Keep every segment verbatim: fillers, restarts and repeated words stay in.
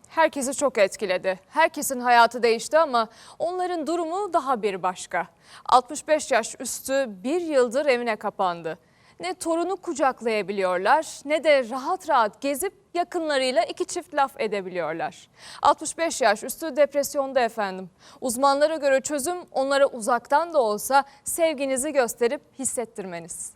herkesi çok etkiledi. Herkesin hayatı değişti ama onların durumu daha bir başka. altmış beş yaş üstü bir yıldır evine kapandı. Ne torunu kucaklayabiliyorlar ne de rahat rahat gezip yakınlarıyla iki çift laf edebiliyorlar. altmış beş yaş üstü depresyonda efendim. Uzmanlara göre çözüm onlara uzaktan da olsa sevginizi gösterip hissettirmeniz.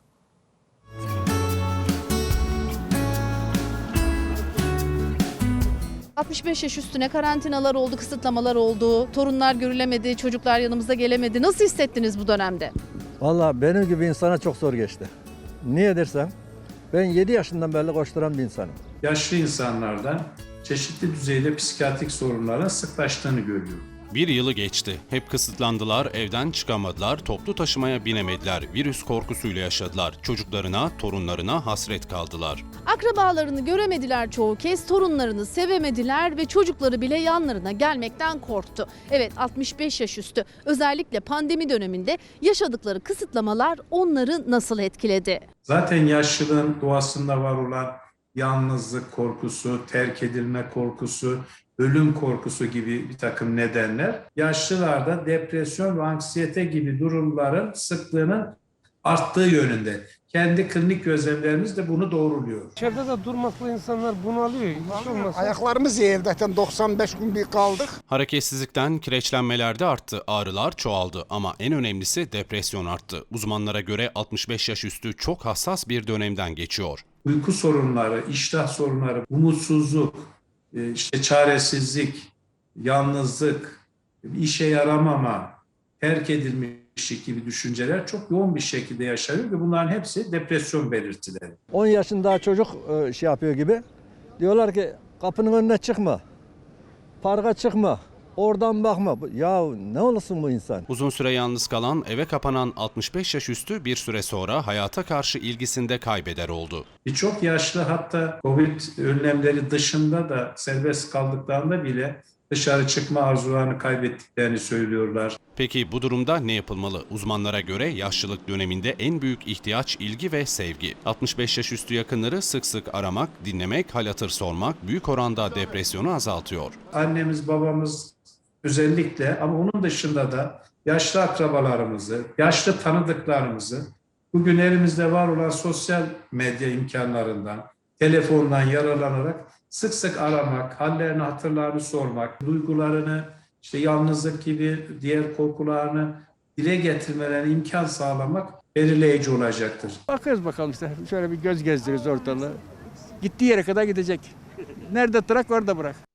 altmış beş yaş üstüne karantinalar oldu, kısıtlamalar oldu, torunlar görülemedi, çocuklar yanımıza gelemedi. Nasıl hissettiniz bu dönemde? Vallahi benim gibi insana çok zor geçti. Niye dersem ben yedi yaşından beri koşturan bir insanım. Yaşlı insanlardan çeşitli düzeyde psikiyatrik sorunlara sıklaştığını görüyorum. Bir yılı geçti. Hep kısıtlandılar, evden çıkamadılar, toplu taşımaya binemediler, virüs korkusuyla yaşadılar. Çocuklarına, torunlarına hasret kaldılar. Akrabalarını göremediler çoğu kez, torunlarını sevemediler ve çocukları bile yanlarına gelmekten korktu. Evet, altmış beş yaş üstü özellikle pandemi döneminde yaşadıkları kısıtlamalar onları nasıl etkiledi? Zaten yaşlılığın doğasında var olan yalnızlık korkusu, terk edilme korkusu, ölüm korkusu gibi bir takım nedenler yaşlılarda depresyon ve anksiyete gibi durumların sıklığının arttığı yönünde. Kendi klinik gözlemlerimiz de bunu doğruluyor. İçeride de durmakla insanlar bunalıyor. Hiç olmazsa. Ayaklarımız evde doksan beş gün bir kaldık. Hareketsizlikten kireçlenmeler de arttı, ağrılar çoğaldı ama en önemlisi depresyon arttı. Uzmanlara göre altmış beş yaş üstü çok hassas bir dönemden geçiyor. Uyku sorunları, iştah sorunları, umutsuzluk, işte çaresizlik, yalnızlık, işe yaramama, terk edilmişlik gibi düşünceler çok yoğun bir şekilde yaşanıyor ve bunların hepsi depresyon belirtileri. on yaşında çocuk şey yapıyor gibi. Diyorlar ki kapının önüne çıkma, parka çıkma, oradan bakma. Ya ne olursun bu insan? Uzun süre yalnız kalan, eve kapanan altmış beş yaş üstü bir süre sonra hayata karşı ilgisinde kaybeder oldu. Birçok yaşlı hatta Covid önlemleri dışında da serbest kaldıklarında bile dışarı çıkma arzularını kaybettiklerini söylüyorlar. Peki bu durumda ne yapılmalı? Uzmanlara göre yaşlılık döneminde en büyük ihtiyaç ilgi ve sevgi. altmış beş yaş üstü yakınları sık sık aramak, dinlemek, hal hatır sormak büyük oranda depresyonu azaltıyor. Annemiz, babamız özellikle ama onun dışında da yaşlı akrabalarımızı, yaşlı tanıdıklarımızı bugün elimizde var olan sosyal medya imkanlarından, telefondan yararlanarak sık sık aramak, hallerini, hatırlarını sormak, duygularını, işte yalnızlık gibi diğer korkularını dile getirmelerine imkan sağlamak belirleyici olacaktır. Bakıyoruz bakalım işte. Şöyle bir göz gezdiriyoruz ortalığı. Gittiği yere kadar gidecek. Nerede bırak orada bırak.